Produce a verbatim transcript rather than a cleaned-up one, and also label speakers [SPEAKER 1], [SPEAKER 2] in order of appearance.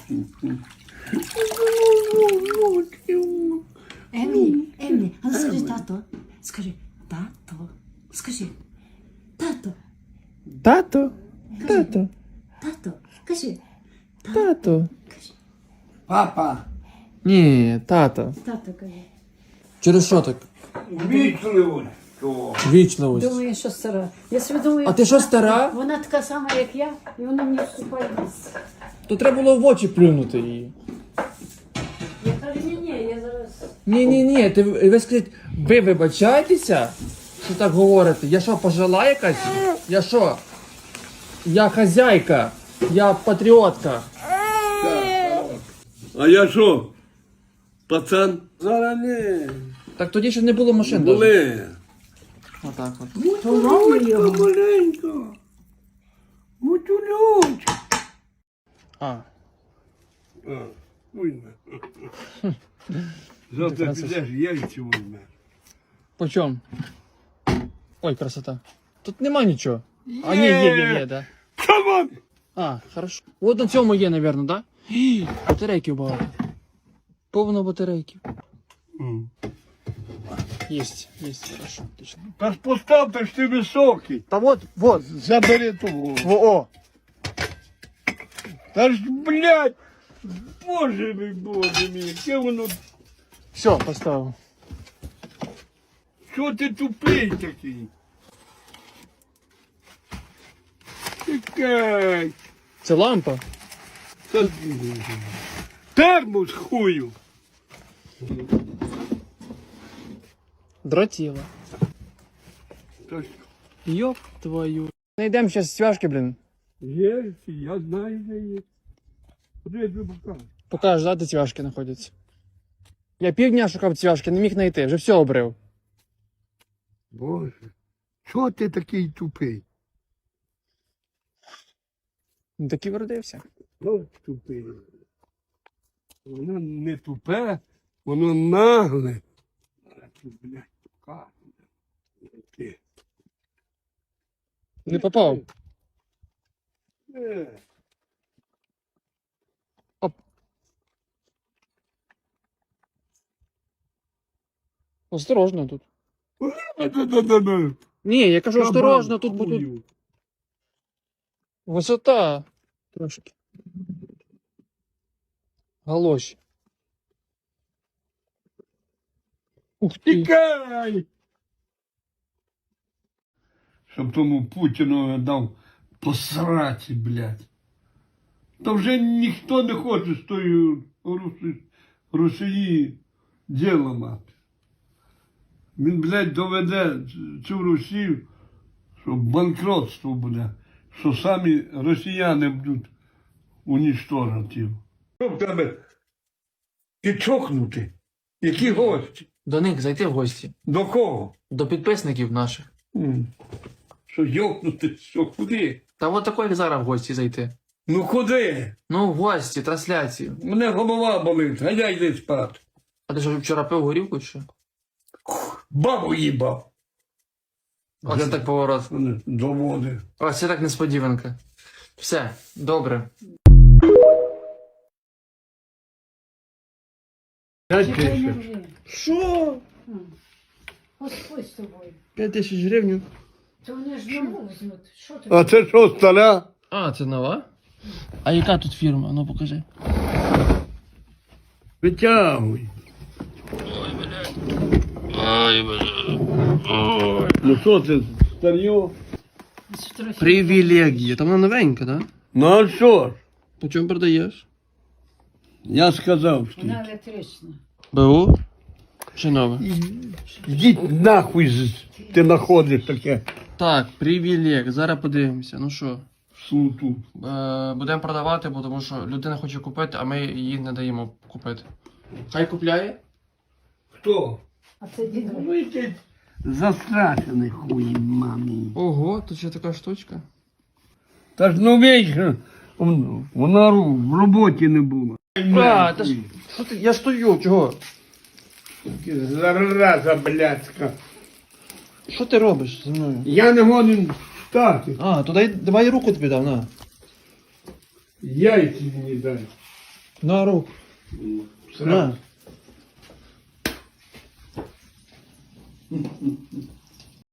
[SPEAKER 1] Емі, Емі, а ну скажи тато. Скажи, тато. Скажи, тато.
[SPEAKER 2] Тато, тато,
[SPEAKER 1] Тато. Кажи.
[SPEAKER 2] тато.
[SPEAKER 1] Кажи.
[SPEAKER 3] Папа,
[SPEAKER 2] Ні, тато.
[SPEAKER 1] Тато кажи.
[SPEAKER 2] Через що так?
[SPEAKER 3] вічливо.
[SPEAKER 2] Вічливість.
[SPEAKER 1] Думаю, що стара. Я собі думаю,
[SPEAKER 2] А ти що, стара?
[SPEAKER 1] вона така сама, як я, і вона мені вступає в місце.
[SPEAKER 2] То треба було в очі плюнути її.
[SPEAKER 1] Я кажу, ні-ні, я зараз...
[SPEAKER 2] Ні-ні-ні, ти ви скажіть, ви вибачаєтеся, що так говорите? Я що, пожила якась? Я що? Я хазяйка, я патріотка.
[SPEAKER 3] А я що? Пацан? Зараз не.
[SPEAKER 2] Так тоді ще не було машин. даже.
[SPEAKER 3] Були.
[SPEAKER 2] Отак от.
[SPEAKER 3] Мутюлючка маленька. Мутюлючка.
[SPEAKER 2] А,
[SPEAKER 3] А, вийме. Завтра підеш, яйця вийме.
[SPEAKER 2] по чому? Ой, красота. Тут нема нічого. А, ні, є, є, є, да.
[SPEAKER 3] Камон!
[SPEAKER 2] А, хорошо. От на цьому є, напевно, да? Гі, батарейків багато. Повно батарейків. Єсть, єсть, хорошо, отлично.
[SPEAKER 3] Та ж постав, та ж ти високий.
[SPEAKER 2] Та вот, вот,
[SPEAKER 3] Забери того.
[SPEAKER 2] о, о.
[SPEAKER 3] Та ж, блядь, боже мій, боже мій, яке воно,
[SPEAKER 2] Все, поставив.
[SPEAKER 3] що ти тупий такий? Чекай.
[SPEAKER 2] Це лампа?
[SPEAKER 3] Та- Термос хую.
[SPEAKER 2] Дротіла.
[SPEAKER 3] Та ж
[SPEAKER 2] Йоп твою. Найдемо зараз цвяшки, блін.
[SPEAKER 3] є, я знаю, де є. Куди я тобі покажу?
[SPEAKER 2] Покажеш, да, де цвяшки знаходяться. Я півдня шукав цвяшки, не міг знайти, вже все обрив.
[SPEAKER 3] Боже, чого ти такий тупий?
[SPEAKER 2] Ну так і вродився.
[SPEAKER 3] От тупий. Воно не тупе, воно нагле. А ти, блядь, покажу. Ти.
[SPEAKER 2] Не попав.
[SPEAKER 3] Е.
[SPEAKER 2] Осторожно тут.
[SPEAKER 3] Да-да-да-да.
[SPEAKER 2] Ні, я кажу,
[SPEAKER 3] Кабан
[SPEAKER 2] осторожно, тут, бо тут
[SPEAKER 3] хую.
[SPEAKER 2] висота. Трошки. Галоші. Ух ти.
[SPEAKER 3] Тікай! Щоб тому Путіну дав посраці, блядь. Та вже ніхто не хоче з тої Русі... Росії діло мати. Він, блядь, доведе цю Росію, що банкротство буде, що самі росіяни будуть уніштожити. Що в тебе підчокнути? Які гості?
[SPEAKER 2] До них зайти в гості.
[SPEAKER 3] До кого?
[SPEAKER 2] До підписників наших.
[SPEAKER 3] М. Що йокнути, що куди?
[SPEAKER 2] Та от такої зараз в гості зайти.
[SPEAKER 3] Ну куди?
[SPEAKER 2] Ну, в гості, трансляції.
[SPEAKER 3] Мене голова болить, а я йди спати.
[SPEAKER 2] А ти що вчора пив горілку чи що?
[SPEAKER 3] Бабу їбав.
[SPEAKER 2] Оце так поворот.
[SPEAKER 3] До води.
[SPEAKER 2] Ось це так несподіванка. Все, добре.
[SPEAKER 3] П'ять
[SPEAKER 1] Чекай, не
[SPEAKER 3] тисяч.
[SPEAKER 1] вже.
[SPEAKER 2] Що?
[SPEAKER 1] Господь з тобою.
[SPEAKER 2] П'ять тисяч гривень.
[SPEAKER 1] То вони ж нову візьмуть. Що ти?
[SPEAKER 3] А це що, стара?
[SPEAKER 2] А, це нова? А яка тут фірма? Ну покажи.
[SPEAKER 3] Витягуй.
[SPEAKER 2] Ой, бля.
[SPEAKER 3] Ну що це, старьо?
[SPEAKER 2] Привілегія. Там вона новенька, так? Да?
[SPEAKER 3] Ну а що ж?
[SPEAKER 2] По чому продаєш?
[SPEAKER 3] Я сказав, що
[SPEAKER 1] Вона електрична.
[SPEAKER 2] БУ? Чи нове?
[SPEAKER 3] йдіть нахуй, з- ти знаходиш таке
[SPEAKER 2] Так, привілег. Зараз подивимося. Ну що?
[SPEAKER 3] суту.
[SPEAKER 2] Е, будемо продавати, бо тому що людина хоче купити, а ми їй не даємо купити. Хай купляє?
[SPEAKER 3] Хто?
[SPEAKER 1] А це дідо.
[SPEAKER 3] Ну йдіть. Застрашений хуй, мамі.
[SPEAKER 2] Ого, тут ще така штучка.
[SPEAKER 3] Та ж ну вічно, вона в роботі не була.
[SPEAKER 2] А, та ж, що ти, я стою, чого?
[SPEAKER 3] Зараза блядська.
[SPEAKER 2] Що ти робиш зі мною?
[SPEAKER 3] Я не годен встати.
[SPEAKER 2] А, то дай, давай руку тобі дав, на.
[SPEAKER 3] Яйці мені дай.
[SPEAKER 2] На руку. На.